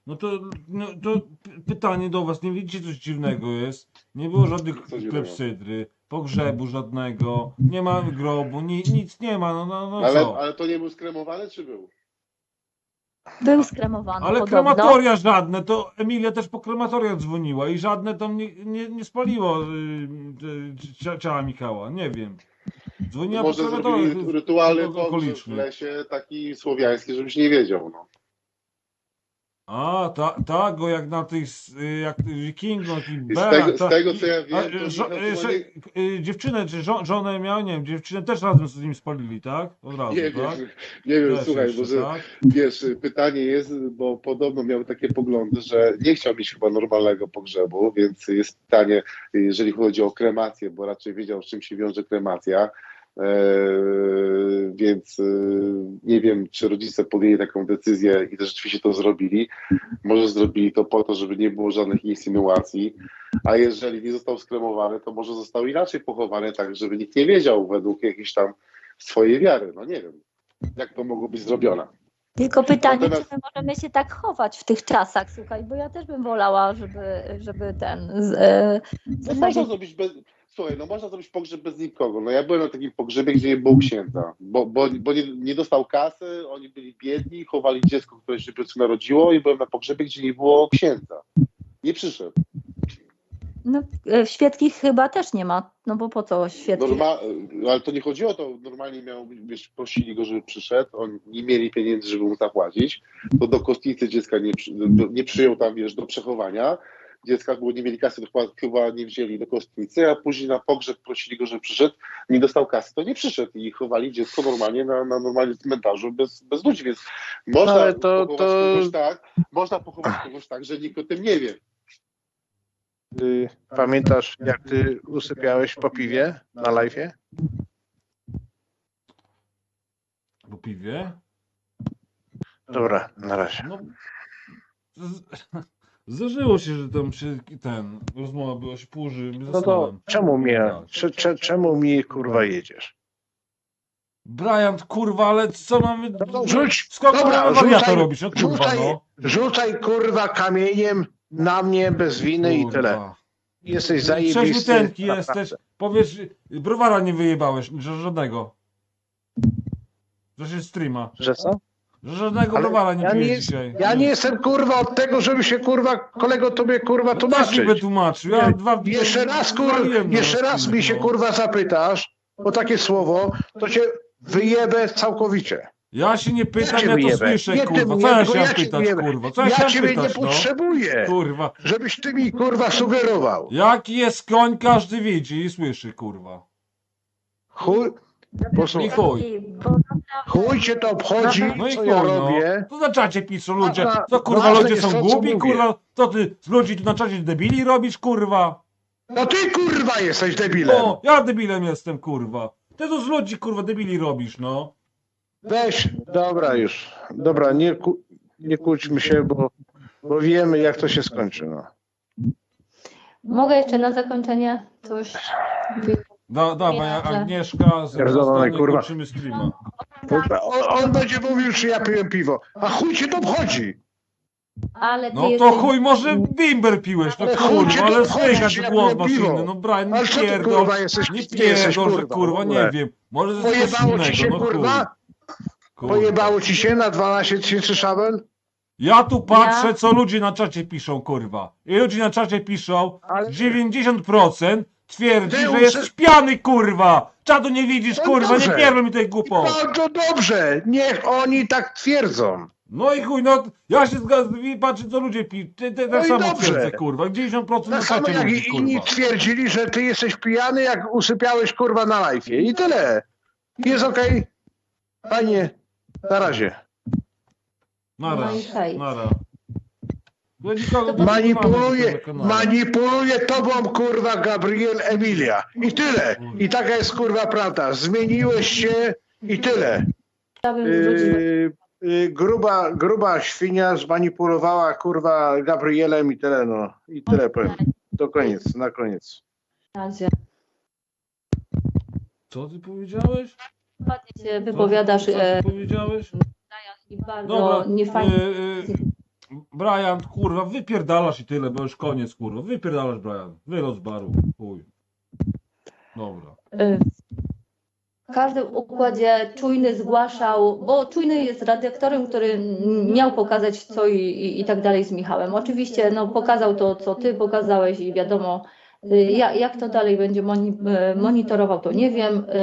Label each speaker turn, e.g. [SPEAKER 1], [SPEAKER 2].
[SPEAKER 1] No to, pytanie do was, nie widzicie coś dziwnego jest? Nie było żadnych
[SPEAKER 2] Co dziwnego?
[SPEAKER 1] klepsydry, pogrzebu żadnego, nie ma grobu, nic nie ma, no
[SPEAKER 2] Ale,
[SPEAKER 1] co?
[SPEAKER 2] ale to nie był skremowany, czy był?
[SPEAKER 3] Był skremowany
[SPEAKER 1] Ale
[SPEAKER 3] podobno.
[SPEAKER 1] krematoria żadne, to Emilia też po krematoriach dzwoniła i żadne tam nie spaliło ciała Michała, nie wiem. Dzwoniła po
[SPEAKER 2] Może
[SPEAKER 1] krematoriach
[SPEAKER 2] zrobili rytualny pogrzeb w
[SPEAKER 1] okolicznych.
[SPEAKER 2] lesie, taki słowiański, żebyś nie wiedział, no.
[SPEAKER 1] A, tak, go jak na tych, jak Wikingów i
[SPEAKER 2] I
[SPEAKER 1] Berach.
[SPEAKER 2] z tego co ja wiem, to Michał chyba
[SPEAKER 1] Dziewczynę, czy żonę miał, nie wiem, dziewczynę też razem z nim spalili, tak? Od razu,
[SPEAKER 2] nie wiem,
[SPEAKER 1] tak?
[SPEAKER 2] nie wiem,
[SPEAKER 1] Też
[SPEAKER 2] słuchaj,
[SPEAKER 1] jeszcze,
[SPEAKER 2] może
[SPEAKER 1] tak?
[SPEAKER 2] wiesz, pytanie jest, bo podobno miał takie poglądy, że nie chciał mieć chyba normalnego pogrzebu, więc jest pytanie, jeżeli chodzi o kremację, bo raczej wiedział, z czym się wiąże kremacja. Więc nie wiem, czy rodzice podjęli taką decyzję i też rzeczywiście to zrobili. Może zrobili to po to, żeby nie było żadnych insynuacji, a jeżeli nie został skremowany, to może został inaczej pochowany, tak żeby nikt nie wiedział według jakiejś tam swojej wiary. No nie wiem, jak to mogło być zrobione.
[SPEAKER 3] Tylko pytanie,
[SPEAKER 2] Natomiast-
[SPEAKER 3] czy my możemy się tak chować w tych czasach, słuchaj, bo ja też bym wolała, żeby
[SPEAKER 2] No można zrobić bez... Słuchaj, no można zrobić pogrzeb bez nikogo. No ja byłem na takim pogrzebie, gdzie nie było księdza, bo nie dostał kasy, oni byli biedni, chowali dziecko, które się dopiero narodziło i byłem na pogrzebie, gdzie nie było księdza. Nie przyszedł.
[SPEAKER 3] No, w świeckich chyba też nie ma, no bo po co świeckich?
[SPEAKER 2] Ale to nie chodziło o to, normalnie wiesz, prosili go, żeby przyszedł, oni nie mieli pieniędzy, żeby mu zapłacić, to do kostnicy dziecka nie przyjął tam, wiesz, do przechowania dziecka, bo nie mieli kasy, to chyba nie wzięli do kostnicy, a później na pogrzeb prosili go, żeby przyszedł, nie dostał kasy, to nie przyszedł i chowali dziecko normalnie na normalnym cmentarzu bez ludzi, więc można
[SPEAKER 4] Ale
[SPEAKER 2] można pochować kogoś tak, że nikt o tym nie wie.
[SPEAKER 4] Pamiętasz, jak ty usypiałeś po piwie na live'ie?
[SPEAKER 1] Po piwie?
[SPEAKER 4] Dobra, na razie.
[SPEAKER 1] No, zdarzyło się, że tam się rozmowa była się półży.
[SPEAKER 4] No to czemu mi kurwa jedziesz?
[SPEAKER 1] Brian, kurwa, ale co mamy...
[SPEAKER 4] No rzuć,
[SPEAKER 1] Skąd
[SPEAKER 4] dobra,
[SPEAKER 1] mamy wariata
[SPEAKER 4] rzucaj,
[SPEAKER 1] robić? No kurwa, no.
[SPEAKER 4] rzucaj kurwa kamieniem na mnie bez winy i tyle.
[SPEAKER 1] Kurwa.
[SPEAKER 4] Jesteś
[SPEAKER 1] Trzeźwy
[SPEAKER 4] zajebisty.
[SPEAKER 1] tenki jesteś. Powiesz, browara nie wyjebałeś, że żadnego. Że się streama.
[SPEAKER 4] Że co?
[SPEAKER 1] Że żadnego
[SPEAKER 4] Ale
[SPEAKER 1] browara nie
[SPEAKER 4] ja
[SPEAKER 1] pijesz
[SPEAKER 4] nie-
[SPEAKER 1] dzisiaj.
[SPEAKER 4] Ja nie jestem kurwa od tego, żeby się kurwa kolego tobie kurwa
[SPEAKER 1] No też mi
[SPEAKER 4] tłumaczyć.
[SPEAKER 1] wytłumaczył. Ja
[SPEAKER 4] Jeszcze raz kurwa,
[SPEAKER 1] waliłem
[SPEAKER 4] jeszcze
[SPEAKER 1] na
[SPEAKER 4] raz mi się
[SPEAKER 1] no.
[SPEAKER 4] kurwa zapytasz o takie słowo, to cię wyjebę całkowicie.
[SPEAKER 1] Ja się nie pytam,
[SPEAKER 4] cię
[SPEAKER 1] ja to
[SPEAKER 4] wyjebę.
[SPEAKER 1] słyszę,
[SPEAKER 4] Nie ty
[SPEAKER 1] kurwa.
[SPEAKER 4] mnie,
[SPEAKER 1] Co ja
[SPEAKER 4] tylko
[SPEAKER 1] się
[SPEAKER 4] ja
[SPEAKER 1] mam
[SPEAKER 4] cię
[SPEAKER 1] pytać,
[SPEAKER 4] wyjebę.
[SPEAKER 1] kurwa? Co ja
[SPEAKER 4] Ja
[SPEAKER 1] się
[SPEAKER 4] ciebie nie
[SPEAKER 1] pytać, no?
[SPEAKER 4] potrzebuję,
[SPEAKER 1] Kurwa.
[SPEAKER 4] żebyś ty mi kurwa sugerował.
[SPEAKER 1] Jaki jest koń, każdy widzi i słyszy, kurwa.
[SPEAKER 4] Chuj,
[SPEAKER 1] I
[SPEAKER 4] posłuchaj,
[SPEAKER 1] chuj.
[SPEAKER 4] chuj cię to obchodzi,
[SPEAKER 1] No i
[SPEAKER 4] co
[SPEAKER 1] chuj,
[SPEAKER 4] ja
[SPEAKER 1] no.
[SPEAKER 4] robię.
[SPEAKER 1] To na czacie piszą ludzie.
[SPEAKER 4] Ważna-
[SPEAKER 1] Co kurwa,
[SPEAKER 4] ważne
[SPEAKER 1] ludzie
[SPEAKER 4] jest
[SPEAKER 1] są
[SPEAKER 4] to, co
[SPEAKER 1] głupi,
[SPEAKER 4] mówię.
[SPEAKER 1] kurwa? Co ty z ludzi tu na czacie debili robisz, kurwa?
[SPEAKER 4] No ty kurwa jesteś debilem.
[SPEAKER 1] No, ja debilem jestem, kurwa. Ty to z ludzi, kurwa, debili robisz, no.
[SPEAKER 4] Weź, dobra już. Dobra, nie kłóćmy się, bo wiemy jak to się skończy. No.
[SPEAKER 3] Mogę jeszcze na zakończenie coś?
[SPEAKER 1] Dawaj, Agnieszka,
[SPEAKER 4] Pierdolony, kurwa.
[SPEAKER 1] kończymy streama.
[SPEAKER 4] On będzie mówił, czy ja piłem piwo. A chuj cię to obchodzi.
[SPEAKER 3] Ale ty
[SPEAKER 1] No to
[SPEAKER 3] jesteś...
[SPEAKER 1] chuj, może bimber piłeś, no
[SPEAKER 4] Ale chuj cię
[SPEAKER 1] kurwa,
[SPEAKER 4] to
[SPEAKER 1] ale
[SPEAKER 4] obchodzi,
[SPEAKER 1] słychać
[SPEAKER 4] czy ja
[SPEAKER 1] głos
[SPEAKER 4] piłem piwo.
[SPEAKER 1] maszyny, no Brian, nie
[SPEAKER 4] Ale co ty
[SPEAKER 1] pierdol,
[SPEAKER 4] kurwa jesteś?
[SPEAKER 1] nie
[SPEAKER 4] Ty jesteś
[SPEAKER 1] pierdol, że
[SPEAKER 4] kurwa.
[SPEAKER 1] kurwa,
[SPEAKER 4] w ogóle.
[SPEAKER 1] nie wiem, może to jest coś
[SPEAKER 4] Pojebało ci się
[SPEAKER 1] innego, no chuj.
[SPEAKER 4] kurwa?
[SPEAKER 1] Kurwa.
[SPEAKER 4] Pojebało ci się na 12 tysięcy szabel?
[SPEAKER 1] Ja tu patrzę,
[SPEAKER 3] Ja?
[SPEAKER 1] co ludzie na czacie piszą, kurwa. I ludzie na czacie piszą,
[SPEAKER 4] Ale-
[SPEAKER 1] 90% twierdzi,
[SPEAKER 4] Ty
[SPEAKER 1] że
[SPEAKER 4] uczy-
[SPEAKER 1] jesteś pijany, kurwa. Czadu nie widzisz,
[SPEAKER 4] No
[SPEAKER 1] kurwa, nie
[SPEAKER 4] dobrze.
[SPEAKER 1] pierdol mi tej głupot.
[SPEAKER 4] Bardzo dobrze, niech oni tak twierdzą.
[SPEAKER 1] No i chuj, no ja się zgadzam i patrzę, co ludzie piszą. Tak
[SPEAKER 4] No i
[SPEAKER 1] samo
[SPEAKER 4] dobrze.
[SPEAKER 1] twierdzę, kurwa. 90% na
[SPEAKER 4] Tak samo
[SPEAKER 1] czacie
[SPEAKER 4] jak
[SPEAKER 1] ludzi,
[SPEAKER 4] i inni
[SPEAKER 1] kurwa.
[SPEAKER 4] twierdzili, że ty jesteś pijany, jak usypiałeś kurwa na live'ie. I tyle. Jest okej. Panie, na razie.
[SPEAKER 1] Nara,
[SPEAKER 3] No i hej.
[SPEAKER 1] nara. Ja nikogo nie
[SPEAKER 4] Manipuluje,
[SPEAKER 1] mam na kanale.
[SPEAKER 4] manipuluje tobą kurwa Gabriel Emilia. I tyle. I taka jest kurwa prawda. Zmieniłeś się i tyle.
[SPEAKER 3] Chciałabym zwrócić...
[SPEAKER 4] Gruba świnia zmanipulowała kurwa Gabrielem i tyle no. I tyle powiem. Do koniec, na koniec.
[SPEAKER 3] razie.
[SPEAKER 1] Co ty powiedziałeś?
[SPEAKER 3] Ładnie się wypowiadasz
[SPEAKER 1] Co ty powiedziałeś?
[SPEAKER 3] i bardzo
[SPEAKER 1] Dobra,
[SPEAKER 3] niefajnie.
[SPEAKER 1] Brian, kurwa, wypierdalasz i tyle, bo już koniec, kurwa. Wypierdalasz, Brian. Wyrost z baru. Chuj. Dobra.
[SPEAKER 3] W każdym układzie Czujny zgłaszał, bo Czujny jest redaktorem, który miał pokazać co i tak dalej z Michałem. Oczywiście no, pokazał to, co ty pokazałeś i wiadomo, jak to dalej będzie monitorował, to nie wiem.